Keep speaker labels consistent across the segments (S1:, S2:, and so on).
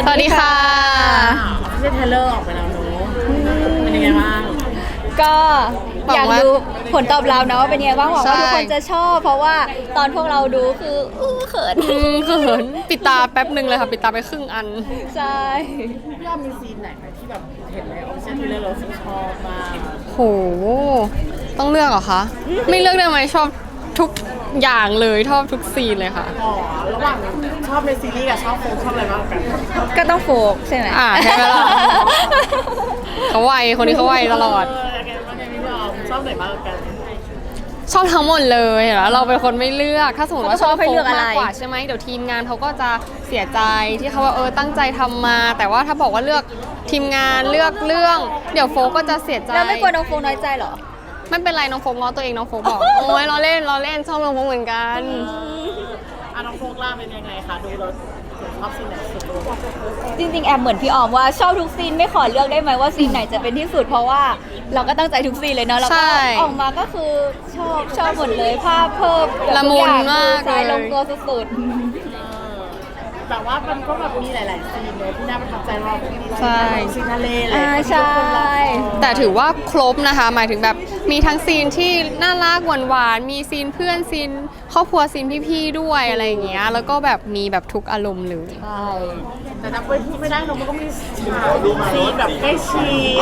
S1: สวัสดีค่ะ
S2: ไม่ใช่เทเลอร์ออกไปแล้วเนอะเป็นยังไงบ้าง
S1: ก็อยากดูผลตอบรับนะว่าเป็นยังไงบ้างหวังว่าทุกคนจะชอบเพราะว่าตอนพวกเราดูคือเขิน
S3: ปิดตาแป๊บหนึ่งเลยค่ะปิดตาไปครึ่งอัน
S1: ใช่
S2: พี่อ้อมมีซีนไหนไหมที่แบบเห็นในออฟฟิเชียลเทเลอร์เราชอบมาก
S3: โหต้องเลือกเหรอคะไม่เลือกได้ไหมชอบทุกอย่างเลยชอบทุกซีนเลยค่ะ
S2: อ๋อระหว่างชอบในซีรีส์กับชอบโฟมชอบอะไรมากกัน
S1: ก็ต้องโฟกใช่ไหม
S3: ใช่ไหมล่ะเขาไวคนนี้เขาไวตลอด
S2: พี่อ้อมชอบไหนมากกัน
S3: ชอบทั้งหมดเลยแล้วเราเป็นคนไม่เลือกถ้าสมมติว่าชอบโฟมมากกว่าใช่ไหมเดี๋ยวทีมงานเขาก็จะเสียใจที่เขาว่าตั้งใจทำมาแต่ว่าถ้าบอกว่าเลือกทีมงานเลือกเรื่องเดี๋ยวโฟก็จะเสียใจ
S1: แล้วไม่กลัวน้องโฟน้อยใจหรอ
S3: ไม่เป็นไรน้องโฟกง้อตัวเองน้องโฟกบอกโอ้ยเราเล่นชอบน้องโฟกเหมือนกัน
S2: น้องโฟกล่าเป็นยังไงคะดูเราชอบซีนไหนสุด
S1: จริงๆแอบเหมือนพี่ออมว่าชอบทุกซีนไม่ขอเลือกได้ไหมว่าซีนไหนจะเป็นที่สุดเพราะว่าเราก็ตั้งใจทุกซีนเลยเนาะแล้วก็ออกมาก็คือชอบหมดเลยภาพเพิ่ม
S3: ละมุนมาก
S1: เลยลงตัวสุด
S2: แต่ว่ามันก็แบบมีหลายๆซีนเลยที่น่าประทับใจเรา
S3: ใช่
S2: ซีนทะเลอะไร
S1: ใช่
S3: แต่ถือว่าครบนะคะหมายถึงแบบมีทั้งซีนที่น่ารักหวานๆมีซีนเพื่อนซีนครอบครัวซีนพี่ๆด้วยอะไรอย่างเงี้ยแล้วก็แบบมีแบบทุกอารมณ์เลย
S1: ใช่
S2: แต่ถ้าพูดไม่ได้มันก็มีซีนแบบใกล้ชิด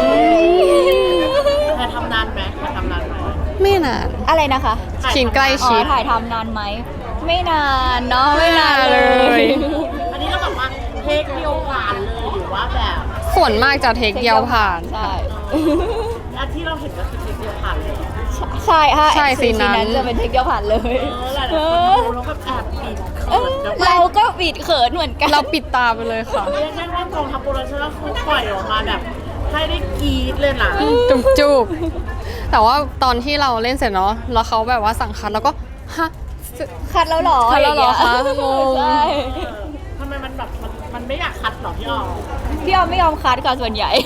S2: ถ่ายทำนานไหม
S3: ไม่นาน
S1: อะไรนะคะ
S3: ซีนใกล้ชิด
S1: ถ่ายทำนานไหมไม่นานเนาะไม่นานเลย
S2: อันนี้เราแบบว่าเทคเดียวผ่านเลยหรือว่าแบบ
S3: ส่วนมากจะเทคเดียวผ่าน
S1: ใช่
S2: อันที่เราเห็นก็คือเทคเดียวผ่านเลย
S1: ใช่ค่ะ
S3: ใช่ซีนนั้น
S1: จะเป็นเทคเดียวผ่านเลย
S2: เราก็แอบปิดเขิน
S1: เราก็ปิดเขินเหมือนกัน
S3: เราปิดตาไปเลยค่ะ
S2: เรียกได้ว่ากองทัพโปรดักชั่นเขาปล่อยออกมาแบบให้ได้กรี๊ดเลยนะ
S3: จุกแต่ว่าตอนที่เราเล่นเสร็จเนาะแล้วเขาแบบว่าสั่งคัดแล้วก็ฮะ
S1: คัดแล้วหรอ
S3: คัดแล้วหรอคะงง
S2: ทำไมมันแบบมันไม่อยากคัดหรอพี่ออม
S1: ไม่ยอมคัดค่ะส่วนใหญ่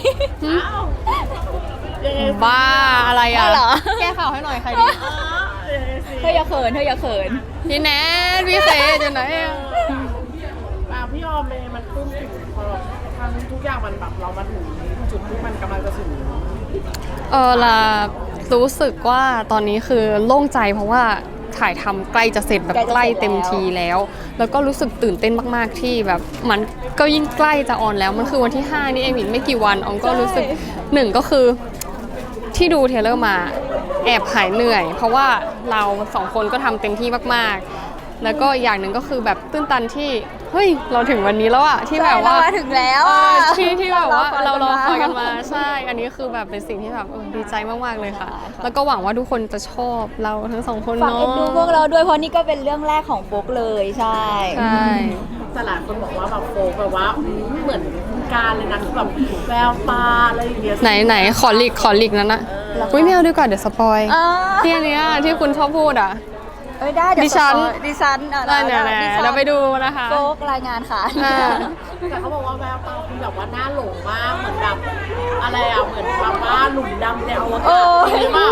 S3: บ้าอะไรอ่ะแก้ข่าวให้หน่อยใครดี
S1: เธออย่าเขิน
S3: พี่แนทพี่เฟย์จะไหน
S2: พี่ออมมันปลื้มปิ่มพอทำทุกอย่างมันแบบเรามาถึงจุดที่มันกำลังจะถึง
S3: ล่ะรู้สึกว่าตอนนี้คือโล่งใจเพราะว่าถ่ายทำใกล้จะเสร็จแบบใกล้เต็มทีแล้วก็รู้สึกตื่นเต้นมากๆที่แบบมันก็ยิ่งใกล้จะออนแล้วมันคือวันที่5นี่เองไม่กี่วันอองก็รู้สึก1ก็คือที่ดูเทเลอร์มาแอบหายเหนื่อยเพราะว่าเรา2คนก็ทำเต็มที่มากๆแล้วก็อย่างหนึ่งก็คือแบบตื้นตันที่เฮ้ยเราถึงวันนี้แล้วอะที่แบบว่า
S1: ถึงแล้ว
S3: ที่แบบว่าเรารอคอยกันมาใช่อันนี้คือแบบเป็นสิ่งที่แบบดีใจมากๆเลยค่ะแล้วก็หวังว่าทุกคนจะชอบเราทั้ง2คนเนาะ
S1: ฝากเอ็นดูพวกเราด้วยเพราะนี่ก็เป็นเรื่องแรกของโฟกเลยใช่
S2: แต่หลายคนบอกว่าแบบโฟกแบบว่าเหมือนการเลยนะคือแบบแววตาอะไรอย่างเงี้ย
S3: ไหนขอหลีกนั้นนะอุ้ยไม่เอาดีกว่าเดี๋ยวสปอยที่อันเนี้ยที่คุณชอบพูดอ่ะ
S1: ได้ดิฉัน
S3: เราไปดูนะคะ
S1: โฟกรายงานค่ะ
S2: แต่เขาบอกว่าแววตาคือแบบว่าน่าหลงมากเหมือนแบบอะไรอ่ะเหมือนแบบว่าหลุมดำในอวกาศจริงหรือเปล่า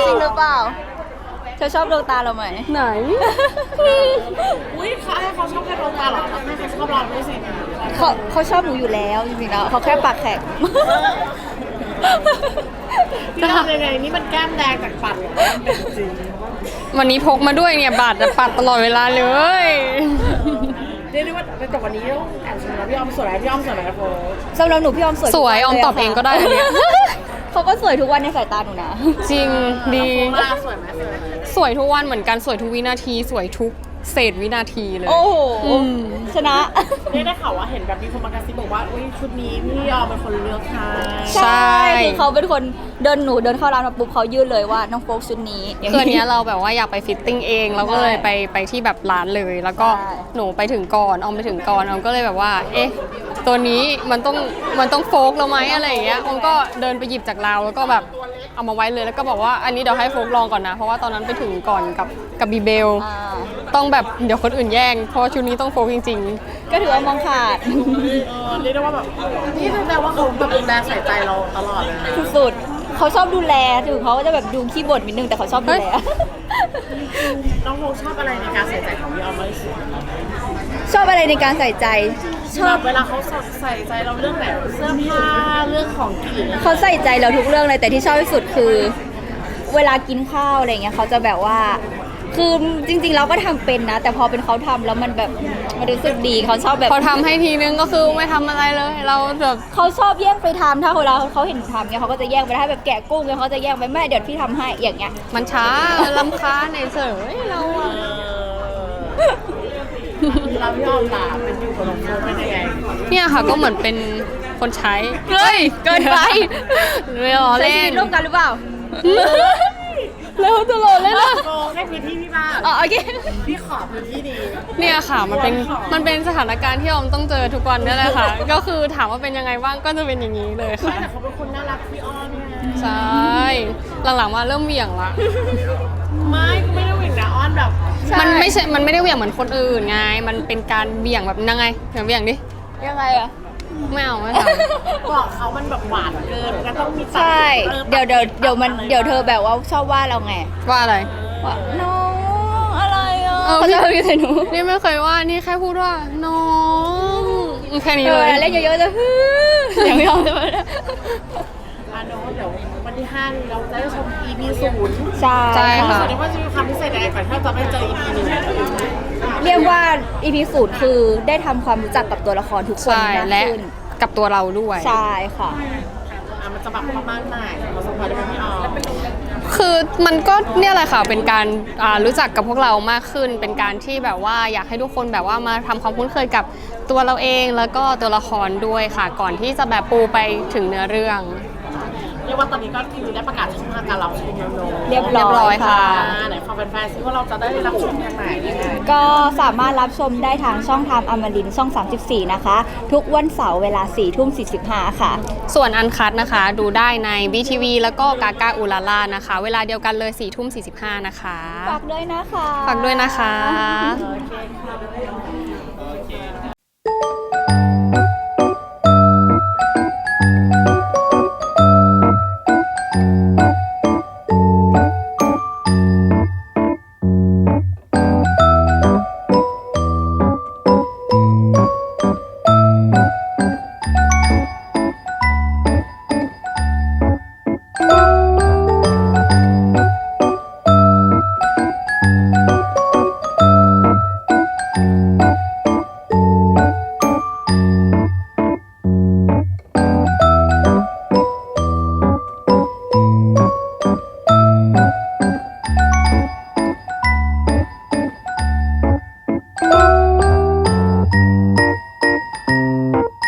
S1: เธอชอบดวงตาเราไหม
S3: ไหน
S2: อุ้ยเขาชอบแค่ดวงตาหรอไม่เขาชอบเราด้วยสิ
S1: เขาชอบหนูอยู่แล้วจริงๆแล้วเขาแค่ปากแข็ง
S2: ที่ทำยังไงนี่มันแก้มแดงจากปัดจริง
S3: วันนี้พกมาด้วยเนี่ยบาดจะปัดตลอดเวลาเลย
S2: เรียกได้ว่าแต่วันนี้ต้องแอบชมนะพี่ออมสวยพี่ออมสวยไหมครับโฟ
S1: สำหรับหนูพี่ออม
S3: สวยออมตอบเองก็ได้เนี่ย
S1: เขาก็สวยทุกวันในสายตาหนูนะ
S3: จริงดี
S2: สวยไหม
S3: สวยทุกวันเหมือนกันสวยทุกวินาทีสวยทุกเศษวินาทีเลย
S1: โอ้โหชนะ
S2: ได้ข่าวว่าเห็นแบบมีคนมากระซิบบอกว่าอุ้ยชุดนี้พี่ออมเป็นคนเลือกค่ะ
S1: ใช่คือเขาเป็นคนเดินเข้าร้านมาปุ๊บเขายื่นเลยว่าน้องโฟกชุดนี้
S3: คือเนี้ยเราแบบว่าอยากไปฟิตติ้งเองเราก็เลยไปที่แบบร้านเลยแล้วก็หนูไปถึงก่อนออมไปถึงก่อนออมก็เลยแบบว่าเอ๊ะตัวนี้มันต้องโฟกเราไหมอะไรอย่างเงี้ยออมก็เดินไปหยิบจากราวแล้วก็แบบเอามาไว้เลยแล้วก็บอกว่าอันนี้เดี๋ยวให้โฟกลองก่อนนะเพราะว่าตอนนั้นไปถึงก่อนกับบีเบลต้องแบบเดี๋ยวคนอื่นแย่งเพราะชุดนี้ต้องโฟกจริง
S1: ๆก็ถือว่ามองขาด
S2: เรียกได้ว่าแบบนี่แปลว่าเขาแบบดูแลใส่ใจเราตลอดเลย
S1: สุดๆเขาชอบดูแลถึงเขาจะแบบดูขี้บ่นนิดนึงแต่เขาชอบดูแล
S2: น้องโมชอบอะไรในการใส่ใจของพี่ออมมากที่สุด
S1: ชอบอะไรในการใส่ใจ ชอบ
S2: เวลาเขาใส่ใจเราเรื่องไหนเสื้อผ้าเรื่องของกิน
S1: เขาใส่ใจเราทุกเรื่องเลยแต่ที่ชอบที่สุดคือ เวลากินข้าวอะไรเงี้ยเขาจะแบบว่า คือจริงๆเราก็ทำเป็นนะ แต่พอเป็นเขาทำแล้วมันแบบมันรู้สึกดีเขาชอบแบบ
S3: พอทำให้ทีนึงก็คือไม่ทำอะไรเลยเราแบบ
S1: เขาชอบแย่งไปทำถ้าเวลาเขาเห็นหนูทำเนี่ยเขาก็จะแย่งไปถ้าแบบแกะกุ้งเนี่ยเขาจะแย่งไปแม่เดี๋ยวพี่ทำให้อย่างเงี้ย
S3: มันช้าลำคาญเฉยเราอะ
S2: เราพี่ออมล่ะเป็นอยู่กับน้องโมเป็นยังไง
S3: เนี่ยค่ะก็เหมือนเป็นคนใช้
S1: เฮ้ยเกินไป
S3: ไม่ล้อ
S1: ใช้
S3: เล่
S1: ชีวิ
S3: น
S1: ตร่วมกันหรือเปล่า
S3: แล้วตลอดเลยนะ
S2: โมให้พื้นที่พี่บ้าง
S1: อ๋อโอเค
S2: พี่ขอพื้นที่ดี
S3: เนี่ยค่ะมันเป็นสถานการณ์ที่ออมต้องเจอทุกวันนี่แหละค่ะ ก็คือถามว่าเป็นยังไงบ้างก็จะเป็นอย่างนี้เลยค่ะ
S2: แต่เขาเป็นคนน่ารักพี่อ้อนไง
S3: ใช่หลังๆมาเริ่มเหวี่ยงละ
S2: ไม่ได้เหวี่ยงนะอ้อนแบบ
S3: มันไม่ได้เหวี่ยงเหมือนคนอื่นไง มันเป็นการเหวี่ยงแบบยังไงเหวี่ยงดิ
S1: ยังไงอะ
S3: ไม่เอาไม่ท
S2: บอกเขามันแบบหวานเกินก็ต้องมีตัด
S1: ใช่
S2: เติม
S1: เดี๋ยวเธอแบบว่าชอบว่าเราไง
S3: ำว่าอะไร
S1: ว่าน้องอะไรอ่ะ
S3: เออ
S1: เขาจะมีแต่หนู
S3: นี่ไม่เคยว่านี่แค่พูดว่าน้องแค่นี้
S1: เอ
S3: เล
S1: อย เล่นเยอะๆจะฮึ่มอย่างไม่ยอมเลย
S2: อาโนเดี๋ยววันที่5นี้เราจะได้ชม EP 0
S1: ใช่
S3: ใช่
S2: รู้
S3: ค่ะ
S2: สึกได้ว่าจะมีความพิเศษยังไงก่อนที่เราจะไปเจอ EP 1
S1: เรียกว่า EP 0คือได้ทำความรู้จักกับตัวละครทุกคน
S3: ใช่
S1: มาก
S3: และ
S1: ขึ้น
S3: กับตัวเราด้วย
S1: ใช่ค่ะ
S2: มันจะแบบประมาณไหนเราสมควรได้ไหมพี่ออม
S3: คือมันก็เนี่ยแหละค่ะเป็นการรู้จักกับพวกเรามากขึ้น เป็นการที่แบบว่าอยากให้ทุกคนแบบว่ามาทำความคุ้นเคยกับตัวเราเองแล้วก็ตัวละครด้วยค่ะ ก่อนที่จะแบบปูไปถึงเนื้อเรื่อง
S2: เรียกว่าตอนนี้ก็คือได้ประกาศช่องทางการรับชมแล้วเนอะ
S1: เรียบ
S3: เรียบร้
S1: ร้
S3: อ
S1: อย ย
S3: ค่ะ
S1: ค่ะ
S2: ไหนฟังแฟนๆซิว่าเราจะได้รับชมทางไหนยังไง
S1: ก็สามารถรับชมได้ทางช่องทางอมรินทร์ช่อง 34 นะคะ ทุกวันเสาร์เวลา 4:45 ค่ะ
S3: ส่วนอันคัดนะคะ ดูได้ใน BTV แล้วก็กากาอุลาล่านะคะ เวลาเดียวกันเลย 4:45 นะคะ
S1: ฝากด้วยนะคะ
S3: ฝากด้วยนะคะ
S2: โอเคค่ะ